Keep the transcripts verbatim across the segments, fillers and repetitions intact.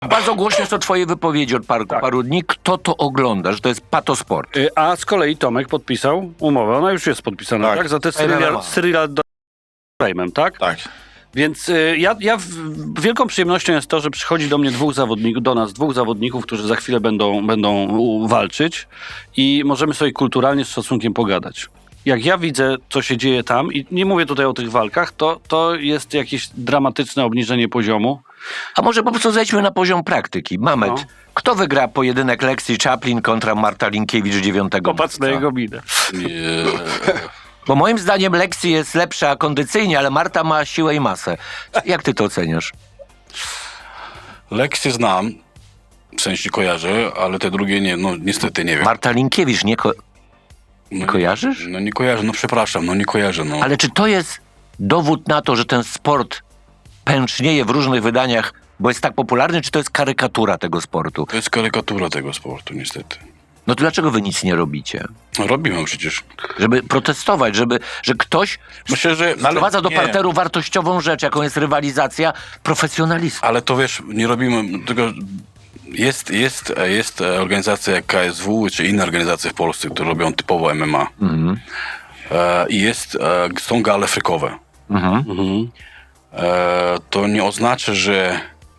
Bardzo głośne są twoje wypowiedzi od paru, Tak. paru dni. Kto to ogląda, że to jest patosport? Y, A z kolei Tomek podpisał umowę, ona już jest podpisana, tak? Tak. Za te M M A. Cyrila, Cyrila do Fejmem, tak? Tak. Więc y, ja, ja w, wielką przyjemnością jest to, że przychodzi do mnie dwóch zawodników, do nas dwóch zawodników, którzy za chwilę będą, będą u, walczyć i możemy sobie kulturalnie z szacunkiem pogadać. Jak ja widzę, co się dzieje tam, i nie mówię tutaj o tych walkach, to, to jest jakieś dramatyczne obniżenie poziomu. A może po prostu zejdźmy na poziom praktyki. Mamet, No. kto wygra pojedynek Lexi Chaplin kontra Marta Linkiewicz dziewiątego Popatrz na marca? jego minę. Bo moim zdaniem Lexi jest lepsza kondycyjnie, ale Marta ma siłę i masę. Jak ty to oceniasz? Lekcje znam, w sensie kojarzę, ale te drugie nie, no niestety nie wiem. Marta Linkiewicz nie, ko- no, kojarzysz? No nie kojarzę, no przepraszam, no nie kojarzę, no. Ale czy to jest dowód na to, że ten sport pęcznieje w różnych wydaniach, bo jest tak popularny, czy to jest karykatura tego sportu? To jest karykatura tego sportu, niestety. No to dlaczego wy nic nie robicie? No robimy przecież. Żeby protestować, żeby, że ktoś Myślę, że... No ale- wprowadza do nie. parteru wartościową rzecz, jaką jest rywalizacja profesjonalistów. Ale to wiesz, nie robimy, tylko jest, jest, jest organizacja jak K S W czy inne organizacje w Polsce, które robią typowo M M A. Mhm. E, I jest, e, są gale frykowe. Mhm. Mhm. E, to nie oznacza, że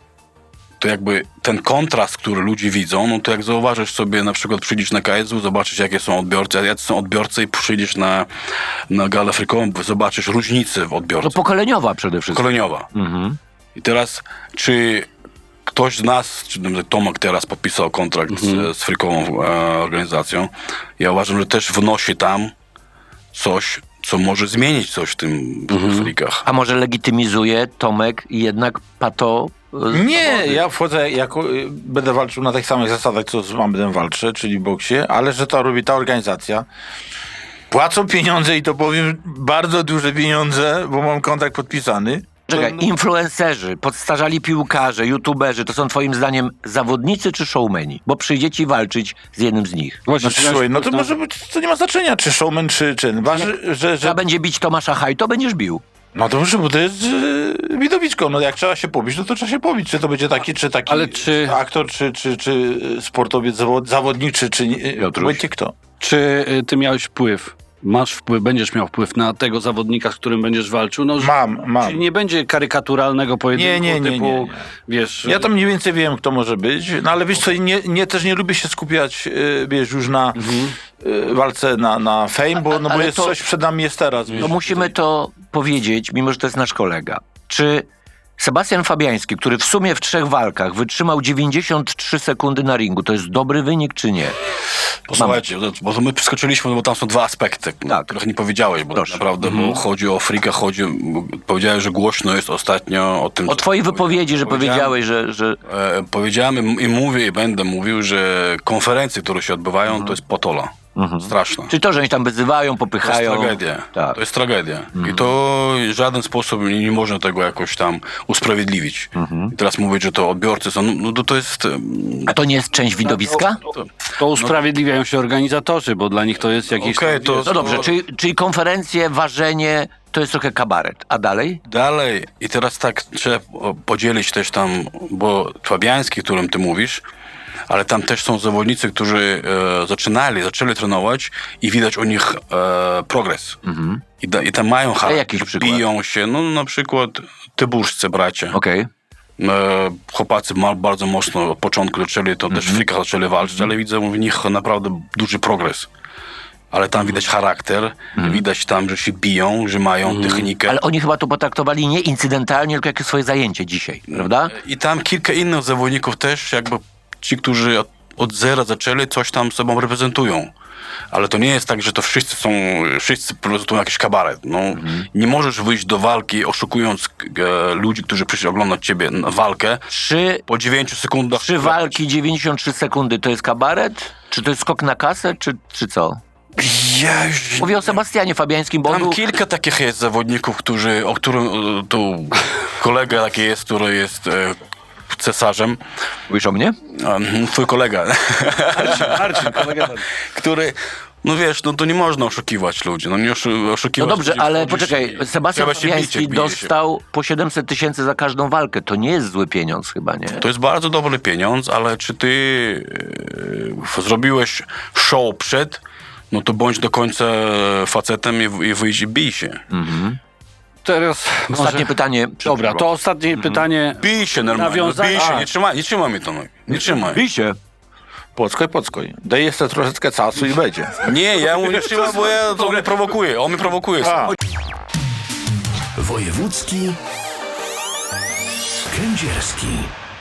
to jakby ten kontrast, który ludzie widzą, no to jak zauważysz sobie, na przykład przyjdziesz na K S W, zobaczysz jakie są odbiorcy, a jacy są odbiorcy i przyjdziesz na, na galę frykową, zobaczysz różnice w No odbiorcy. pokoleniowa przede wszystkim. Pokoleniowa. Mhm. I teraz, czy ktoś z nas, czy na przykład Tomek teraz podpisał kontrakt z, z frykową e, organizacją, ja uważam, że też wnosi tam coś, co może zmienić coś w tym w frikach. A może legitymizuje Tomek jednak pato... e, Nie, zawody? ja wchodzę jako, y, będę walczył na tych samych zasadach, co z Mamedem walczę, czyli w boksie, ale że to robi ta organizacja. Płacą pieniądze i to powiem bardzo duże pieniądze, bo mam kontrakt podpisany. Czekaj, To- influencerzy, podstarzali piłkarze, youtuberzy, to są twoim zdaniem zawodnicy czy showmeni? Bo przyjdzie walczyć z jednym z nich. Właśnie, No, słuchaj, no to może być, to nie ma znaczenia, czy showman, czy czyn. Ważne, że, Trzeba że, będzie bić Tomasza Haj, to będziesz bił. no to muszę, bo to jest yy, widowisko. No jak trzeba się pobić, no to trzeba się pobić. Czy to będzie taki, czy taki Ale czy- aktor, czy, czy, czy sportowiec, zawod, zawodnik, czy, czy nie, Piotruś. będzie kto. Czy y, ty miałeś wpływ, masz wpływ, będziesz miał wpływ na tego zawodnika, z którym będziesz walczył? No, że- Mam, mam. Czyli nie będzie karykaturalnego pojedynku Nie, nie, nie, typu, nie, nie. wiesz... Ja to mniej więcej wiem, kto może być, no ale wiesz co, nie, nie, też nie lubię się skupiać, yy, wiesz, już na yy, walce na, na fame, bo, no, bo ale jest to- coś przed nami jest teraz. Wiesz, To musimy to powiedzieć, mimo że to jest nasz kolega. Czy Sebastian Fabiański, który w sumie w trzech walkach wytrzymał dziewięćdziesiąt trzy sekundy na ringu, to jest dobry wynik czy nie? Posłuchajcie, bo my przeskoczyliśmy, bo tam są dwa aspekty, Tak. których nie powiedziałeś, bo Proszę. tak naprawdę, bo chodzi o frika, chodzi, bo powiedziałeś, że głośno jest ostatnio o tym... O co- twojej wypowiedzi, że Powiedziałem- powiedziałeś, że... że... E, powiedziałem i mówię i będę mówił, że konferencje, które się odbywają, to jest potola. Straszna. Czy to, że oni tam wyzywają, To jest popychają... tragedia. Tak. To jest tragedia. I to w żaden sposób nie, nie można tego jakoś tam usprawiedliwić. I teraz mówić, że to odbiorcy są, no, no to, to jest... em, A to nie jest część widowiska? to, To usprawiedliwiają się organizatorzy, bo dla nich to jest jakiś... Okej, tam, to- wiesz, No dobrze, czyli, czyli konferencje, ważenie, to jest trochę kabaret. A dalej? Dalej, i teraz tak trzeba o, podzielić też tam, bo Fabiański, o którym ty mówisz, ale tam też są zawodnicy, którzy e, zaczynali, zaczęli trenować i widać u nich e, progres. I, da, I tam mają charakter, jakiś przykład? biją się, no na przykład tyburscy bracia. Okej. E, chłopacy ma, bardzo mocno od początku zaczęli, to też w frikach zaczęli walczyć, ale widzę w nich naprawdę duży progres. Ale tam widać charakter, widać tam, że się biją, że mają technikę. Ale oni chyba to potraktowali nie incydentalnie, tylko jako swoje zajęcie dzisiaj, prawda? I tam kilka innych zawodników też, jakby ci, którzy od, od zera zaczęli, coś tam sobą reprezentują. Ale to nie jest tak, że to wszyscy są, wszyscy reprezentują jakiś kabaret. No, nie możesz wyjść do walki oszukując e, ludzi, którzy przyszli oglądać ciebie na walkę Trzy, po dziewięciu sekundach. trzy walki, dziewięćdziesiąt trzy sekundy, to jest kabaret? Czy to jest skok na kasę, czy, czy co? Ja już... Mówię o Sebastianie Fabiańskim, bo on Tam był... kilka takich jest zawodników, którzy, o którym e, tu kolega taki jest, który jest e, cesarzem. Mówisz o mnie? Um, twój kolega, Marcin, Marcin, kolega Marcin. który, no wiesz, no to nie można oszukiwać ludzi, no nie oszu- No oszukiwać dobrze, ludzi, ale wchodzisz poczekaj, i Sebastian trzeba się bić, Fabiański jak bije się. dostał po siedemset tysięcy za każdą walkę. To nie jest zły pieniądz chyba, nie? To jest bardzo dobry pieniądz, ale czy ty e, zrobiłeś show przed, no to bądź do końca facetem i, i wyjdź i bij się. Teraz Ostatnie może... pytanie. przed Dobra, przerwą. to ostatnie pytanie. Bij się normalnie, no, Nawiązanie- bij się, A. nie trzymaj, nie trzymaj mnie to, no. nie trzymaj. Bij się. Pockoj, pockoj. Daj jeszcze troszeczkę czasu i będzie. Nie, ja mu nie trzymam, bo ja, to on mnie prowokuje, on mnie prowokuje. A. Wojewódzki Kędzierski.